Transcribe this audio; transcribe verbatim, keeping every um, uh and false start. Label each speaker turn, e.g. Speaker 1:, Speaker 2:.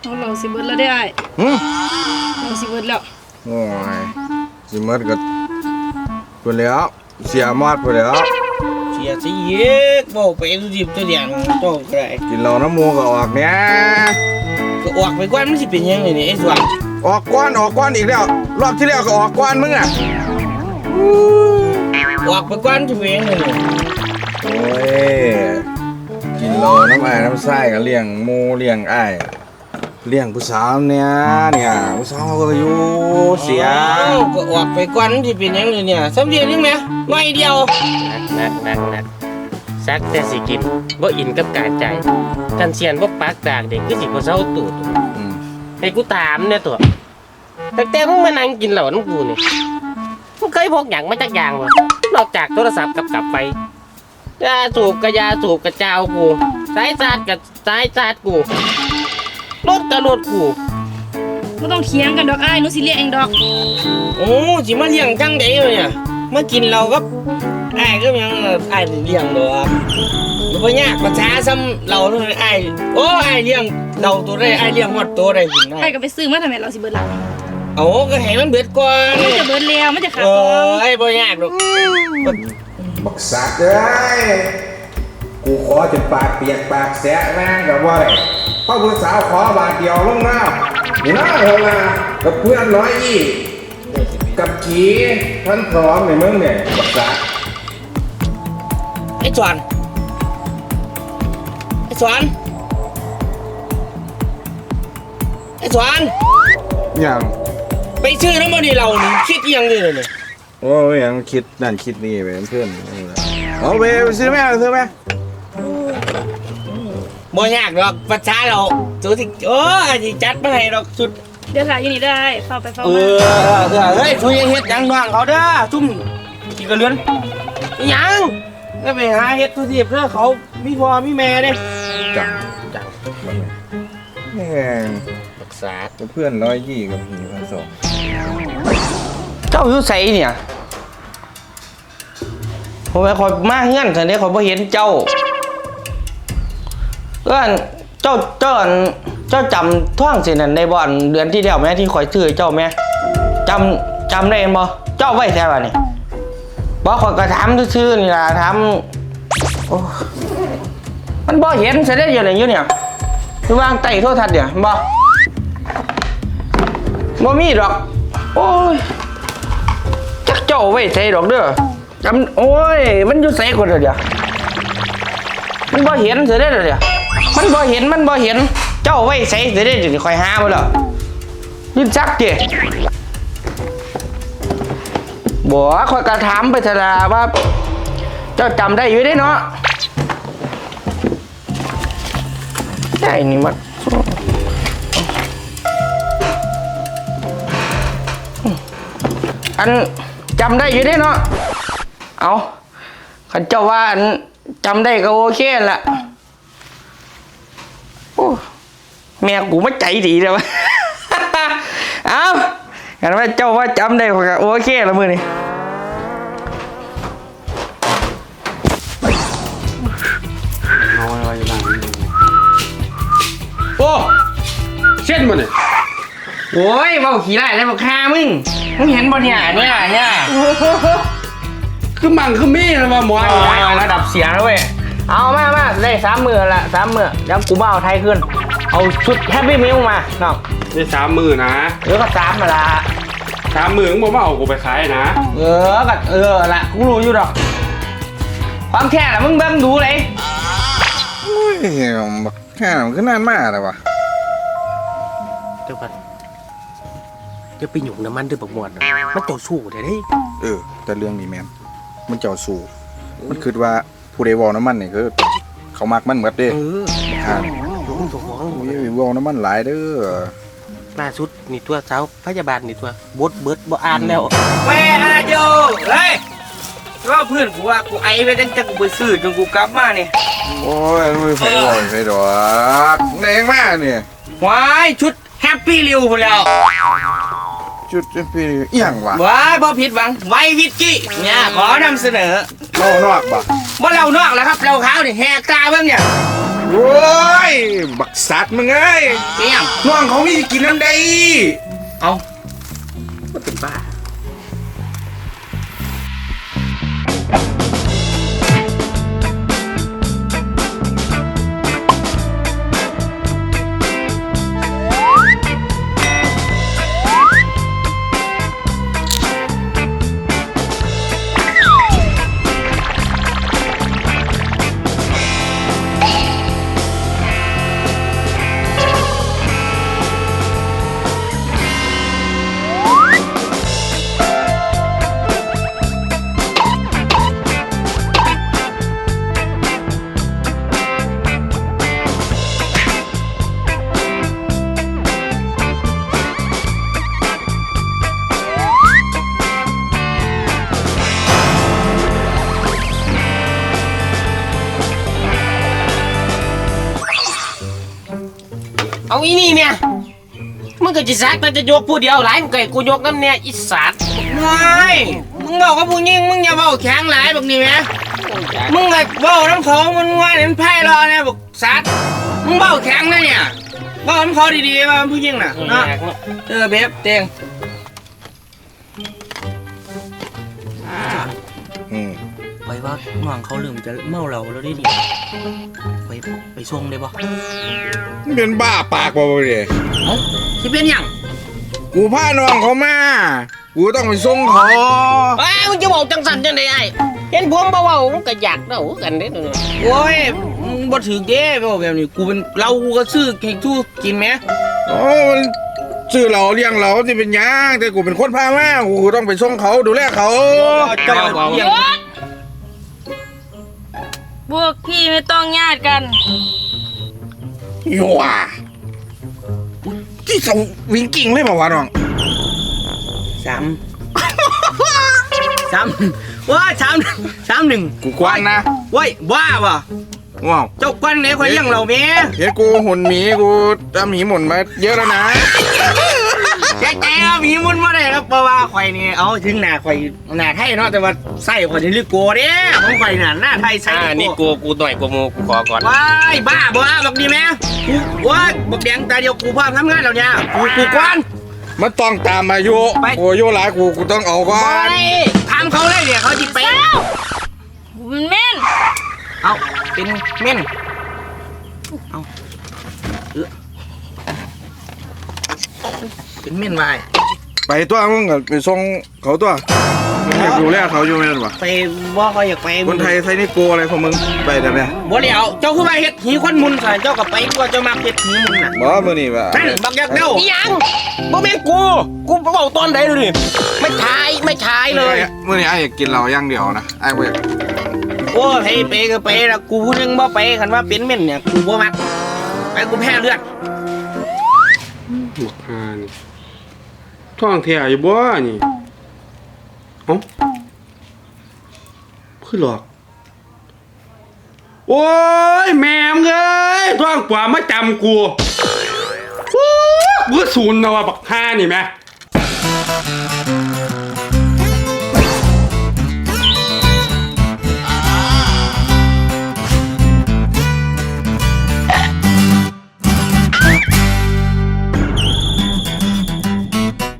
Speaker 1: เราเราสิเบิดแล้วได้ไอ้เราสิเบิดแล้ว
Speaker 2: โอ้ยสิเบิดก็ไปแล้วเสียมอดไปแล้ว
Speaker 3: เสียสิเย็กบอกไปดูดิบตัวเดียงโตก็ได้
Speaker 2: กินเหล้าน้ำมูกก็ออกเนี้ย
Speaker 3: ก็ออกไปก่อนมันสิเป็นยังไงนี่ไอ้ส่วน
Speaker 2: ออกก้อนออกก้อนอีกแล้วรอบที่แล้วก็ออกก้อนมึงอ่ะ
Speaker 3: ออกไปก่อนจะเป็นยังไงนี่
Speaker 2: โอ้ยกินเหล้าน้ำอ้ายน้ำไส้ก็เลี้ยงหมูเลี้ยงอ้ายเลี้ยงผู้สาวเนี่ยเนี่ยผู้สาวก็อยู่เสีย
Speaker 3: ก็ออกไปก่อนจะเป็นยังไงเนี่ยสำเร็จยังไหมไม่เดียว
Speaker 4: นักนักนักซักแต่สิกินบ่อินกับการใจกันเสียนบ่ปากดากเด็กคือสิบ่เซาตูดให้กูตามเนี่ยตัวแต่แต่มึงมานั่งกินเหล้าน้ำกูนี่มึงเคยพกหยังมาจักอย่างบ่นอกจากโทรศัพท์กับกลับไปยาสูบกับยาสูบกับเจ้ากูสายซาดกับสายซาดกูรถกับรถกู
Speaker 1: ไม่ต้องเถียงกันดอกไอ้หนูสิเลี้ยงเองดอก
Speaker 3: โอ้สิมาเลี้ยงจังได๋เลยเนี่ยมากินเราก็ไอ้ก็ยังไอ้เลี้ยงดอกมันบ่ยากภาษาซ้ำเราไอ้โอ้ไอ้เลี้ยงเราตัวได้ไอ้เลี้ยงหมดตัวได้กินได้
Speaker 1: ไอ้ก็ไปซื้อมาทำไมเราสิเบิดละ
Speaker 3: โอ้ก็ให้มันเบิดก่อน
Speaker 1: มันจะเบิดแล้วมันจะขาด
Speaker 3: ตอนไอ้บ่ยากดอก
Speaker 2: บักสักเอ้ยกูขอจนปากเปียกปากแสะแม่งกับว่าพ่อผู้สาวขอบาทเดียวลงน้ำนี่นะเฮาล่ะกับเพื่อนน้อยอีกับขี่ท่านพร้อมในเมืองเนี่ยบักสัก
Speaker 3: ไอ้จวนไอ้จวนไอ้จวน
Speaker 2: ยัง
Speaker 3: ไปซื้อน้ำมันนี่เราคิดยังเลยเนี่ย
Speaker 2: โอ้ยยังคิดนั่นคิดนี่ไปเพื่อนเอาไปซื้อไหมซื้อไหม
Speaker 3: บ่ยากหรอกภาษาเราสุดที่โอ้ยจัดมาให้เราสุด
Speaker 1: เดี๋ยวถ่ายอยู่นี่ได้เฝ้าไปเฝ้า
Speaker 3: มาเออเฮ้ยช่วยเฮ็ดยังน้องเขาเด้อซุ่มกี่กระเลือนยังก็ไปหาเฮ็ดทุทีเพื่อเขามีพ่อมีแม่เด้
Speaker 2: จังจังแม่
Speaker 3: รักษา
Speaker 2: เพื่อนร้อยยี่กับหีพันสอง
Speaker 3: เจ้าอยู่ไสเนี่ยผมไปคอยมาเงื่อนแต่เนี่ยคอยบ่เห็นเจ้าเอ้นเจ้าเจ้าเจ้าจำท่องสินั่นในบ่อนเดือนที่แล้วแม่ที่คอยซื้อเจ้าแม่จำจำได้บ่เจ้าไว้แท้บ่นี่บ่คอยก็ถามซื่อๆนี่ล่ะถามโอ้มันบ่เห็นเสด็จอยู่ไหนอยู่เนี่ยอยู่วางใต้โทรทัศน์เนี่ยบ่บ่มีดอกโอ้ยจักเจ้าไว้ใส่ดอกเด้อจำโอ้ยมันอยู่ใส่คนเดียวมันบ่เห็นเสด็จเลยมันบ่เห็นมันบ่เห็นเจ้าไว้ใส่เสด็จนี่คอยหาบ่ล่ะยินจักติบ่คอยกระถามไปเถอะล่ะว่าเจ้าจำได้อยู่ได้เนาะไอ้นี่มันอันจำได้อยู่ได้เนาะเอาขันเจ้าว่าอันจำได้ก็โอเคละโอ้แม่กูไม่ใจดีเลยวะเอากันว่าเจ้าว่าจำได้ก็โอเคละมือนี่
Speaker 5: โอ้เช่นมันเนี่ย
Speaker 3: โอ้ยเบาขี้ไล่แล้วบอกฆ่ามึงมึงเห็นบ่เนี่ยเนี่ยเนี่ย
Speaker 5: คือมังคือมีนะว่าหมอ
Speaker 3: ระดับเสียงแล้วเว้ยเอามามาได้สามมือละสามมือแล้วกูบ้าเอาไทยขึ้นเอาชุดแฮปปี้มิลมาน้อง
Speaker 5: ได้สามมือนะ
Speaker 3: เออก็สามมาละ
Speaker 5: สามมือมึงบอกว่าเอากูไปขายนะ
Speaker 3: เออก็เออละกูรู้อยู่ดอกความแค่ละมึงเบิ่งดูเลย
Speaker 2: โอ้ยแค่มันก็นานมากเลยวะ
Speaker 4: เดี๋ยวก่อนเดี๋ยวไปหยุ่งน้ำมันด้วยบักหมวดมันเจ้าสู้ได้เด้
Speaker 2: เออแต่เรื่องนี้แมนมันเจ้าสู้มันคิดว่าผู้ใดวอลน้ำมันนี่คือเขามักมันเหมือนเด้
Speaker 4: เออ
Speaker 2: ค่ะ
Speaker 4: ตัวของ
Speaker 2: วอลน้ำมันหลายเด้อ
Speaker 4: ล่าสุดนี่ตัวสาวพยาบาลนี่ตัวบดเบิดบ่อ่านแล้ว
Speaker 3: แม่อาโยเลยก็เพื่อนกูว่ากูไอไปตั้งแต่กูไปซื้อจนกูกลับมาเนี่ย
Speaker 2: โอ้ยไม่ไฟดอกไฟดอกแรงมากเนี่ย
Speaker 3: ว้ายชุดแฮปปี้ริวพอแล้ว
Speaker 2: ชุดแฮปปี้เอียงวะ
Speaker 3: ว้ายบ่ผิดหวังไววิสกี้เนี่ยขอนำเสนอ
Speaker 2: เรานอกปะ
Speaker 3: บ่เรานอกแล้วครับเราขาวนี่แหกตาเบิ่งเนี่ย
Speaker 2: โอ้ยบักสัตว์มึงเอ้ย
Speaker 3: เอี่ยม
Speaker 2: น้องเขามีกินน้ำใด
Speaker 3: เอาก็เป็นบ้า
Speaker 4: เอาอีนี่เนี่ยมึงก็จะซักแต่จะยกผู้เดียวหลายมึงก็ให้กูยกน้ำเนี่ยอีสัตว์
Speaker 3: ไม่มึงบอกกับผู้หญิงมึงอย่าเบาแข็งหลายแบบนี้ไหมมึงไงเบาน้ำเขามันว่าเห็นไพ่รอเนี่ยบอกสัตว์มึงเบาแข็งนะเนี่ยเบาน้ำเขาดีๆว่าผู้หญิงน่ะเนาะเออเบบเตียง
Speaker 2: อืม
Speaker 3: ไปว่าน้องเขาลืมจะเมาเราแล้วได้ดิไปไปส่งได้ปะ
Speaker 2: มึงเป็นบ้าปากบ่บ่เด้
Speaker 3: เอ้าที่เป็นหยัง
Speaker 2: กูพาน้องเขามา กูต้องไปส่งเขา
Speaker 4: ไอ้ยมึงจะบอกจังสันจังไดไอ้เห็นผมเบาๆมึงก็อยากเด้ากันเด้อเนี่ย
Speaker 3: โอ้ยมึงบ่ถือเด้ไปบอกแบบนี้กูเป็นเรากูก็ซื้อให้ทูกินไหม
Speaker 2: โอ้มันชื่อเราเลี้ยงเราที่เป็นหยังแต่กูเป็นคนพามากูต้องไปส่งเขาดูแลเขา
Speaker 3: เจ้าเลี้ยง
Speaker 1: พวกพี่ไม่ต้องญาติกัน
Speaker 2: ยัวที่สวิงกิ้งเลยเปล่าวะน้อง
Speaker 3: สามสามว้าสามสามหนึ่ง
Speaker 2: กูกว้างนะ
Speaker 3: เว้ยบ้าป่ะ
Speaker 2: ว้าว
Speaker 3: เจ้าก้อนไหนคอยเลี้ยงเราเมีย
Speaker 2: เห็นกูหุ่นหมีกูทำหมีหมุนมาเยอะแล้วนะ
Speaker 3: แกแกมีมุนมาได้ครับเพราะว่าข่อยนี่เอาถึงหน้าข่อยหน้าไทยเนาะแต่ว่าไส้ข่อยนี่ลึกโกเด้ของข่อยน่ะหน้าไทยไส้
Speaker 4: อ่านี่กูกูหน่อยกูโมกูขอก่อน
Speaker 3: ว้ายบ้าบ้าบอกดีไหมกูว้ายบอกแดงตาเดียวกูพร้อมทำงานแล้วเนี่ยกูกูกวน
Speaker 2: มันต้องตามอายุ
Speaker 3: ไป
Speaker 2: กูอายุหลายกูกูต้องเอาก่อ
Speaker 3: ไป
Speaker 2: น
Speaker 3: ทำเขาเลยเนี่ยเขาจิไป
Speaker 1: มันแม่น
Speaker 3: เอาเป็นเม่นเอาเออเป็นเม่นไป
Speaker 2: ไปตัวมึงก็ไปส่งเขาตัวมึงอยากดูแลเขาอยู่ไหมล่ะ
Speaker 3: ไปว่าเขาอยากไป
Speaker 2: คนไทยไทยนี่โกอะไรของมึงไปได้ไหม
Speaker 3: บ่เดี๋ยวเจ้าคือมาเฮ็ดหีคนมุนใส่เจ้ากับไปกว่าเจ้ามาเฮ็ดหีมุนน่ะ
Speaker 2: บ่มือนี่ว่า
Speaker 3: นั่นบักยักษ์เด้า
Speaker 4: อีหยังบ่แม่นกูกูเบาตอนใดดูดิไม่ทายไม่ทายเลย
Speaker 2: มือนี่ไอ้อยากกินเหล้าอย่างเดียวนะไอ้เว้ย
Speaker 3: โอ้ให้ไปก็ไปละกูพูดยังบ่ไปคันว่าเป็นเม่นเนี่ยกูบ่มักไปกูแพ้เลือด
Speaker 5: หมกหานี่ท้องแท้อยู่บ่นี่เอ้าคือหลอก โอ้ยแม่มเอ้ยท้องกว่ามาจำกูโอ้กูศูนย์นะว่าบักห้านี่แม่